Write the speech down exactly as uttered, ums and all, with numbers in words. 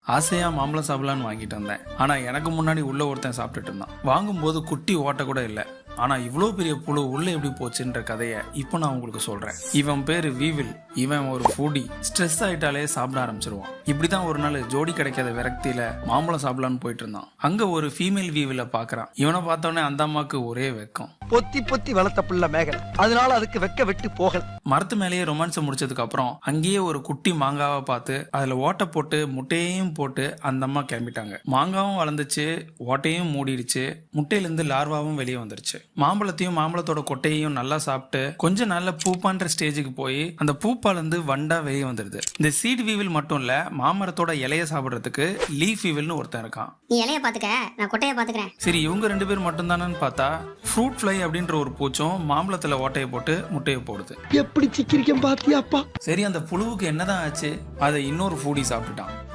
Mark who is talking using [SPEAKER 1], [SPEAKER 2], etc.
[SPEAKER 1] ஆசையா மாம்பழம் சாப்பிடலான்னு வாங்கிட்டு வந்தேன். ஆனா எனக்கு முன்னாடி உள்ள ஒருத்தன் சாப்பிட்டுட்டு இருந்தான். வாங்கும்போது குட்டி ஓட்ட கூட இல்லை. ஆனா இவ்வளோ பெரிய புழு உள்ள எப்படி போச்சுன்ற கதையை இப்போ நான் உங்களுக்கு சொல்றேன். இவன் பேரு வீவில். இவன் ஒரு ஃபுடி. ஸ்ட்ரெஸ் ஆயிட்டாலே சாப்பிட ஆரம்பிச்சிருவான். இப்படிதான் ஒரு நாள் ஜோடி கிடைக்காத விரக்தியில மாம்பழம் சாப்பிடலான்னு போயிட்டு இருந்தான். அங்க ஒரு ஃபீமேல் வீவில பாக்குறான். இவனை பார்த்தோன்னே அந்த அம்மாக்கு ஒரே வெக்கம்.
[SPEAKER 2] பொத்தி பொத்தி வளர்த்த புள்ள மேகலை, அதனால அதுக்கு வெக்க விட்டு போகல.
[SPEAKER 1] மரத்து மேலேயே ரொமான்ஸ் முடிச்சதுக்கு அப்புறம் அங்கேயே ஒரு குட்டி மாங்காவை பார்த்து அதுல ஓட்டை போட்டு முட்டையையும் போட்டு அந்த அம்மா கிளம்பிட்டாங்க. மாங்காவும் வளர்ந்துச்சு, ஓட்டையும் மூடிடுச்சு, முட்டையிலிருந்து லார்வாவும் வெளியே வந்துருச்சு. மாம்பழத்தையும் மாம்பழத்தோட கொட்டையையும் நல்லா சாப்பிட்டு கொஞ்ச நாள்ல பூப்பான்ற ஸ்டேஜுக்கு போய் அந்த பூப்பால இருந்து வண்டா வெளியே வந்துருது. இந்த சீட் வீவில் மட்டும் இல்ல, மாமரத்தோட இலைய சாப்பிடுறதுக்கு லீஃப் வீவில்னு ஒருத்தன் இருக்கான்.
[SPEAKER 3] நீ இலைய பாத்துக்க, நான் கொட்டைய பாத்துக்கிறேன்.
[SPEAKER 1] சரி, இவங்க ரெண்டு பேர் மட்டும் தானு பார்த்தா ஃப்ரூட் ஃப்ளை அப்படின்ற ஒரு பூச்சும் மாம்பழத்துல ஓட்டையை போட்டு முட்டையை போடுது.
[SPEAKER 2] எப்படி சிக்கிரிக்கம் பாத்தியாப்பா?
[SPEAKER 1] சரி, அந்த புழுவுக்கு என்னதான் ஆச்சு? அதை இன்னொரு ஃபூடி சாப்பிட்டுட்டான்.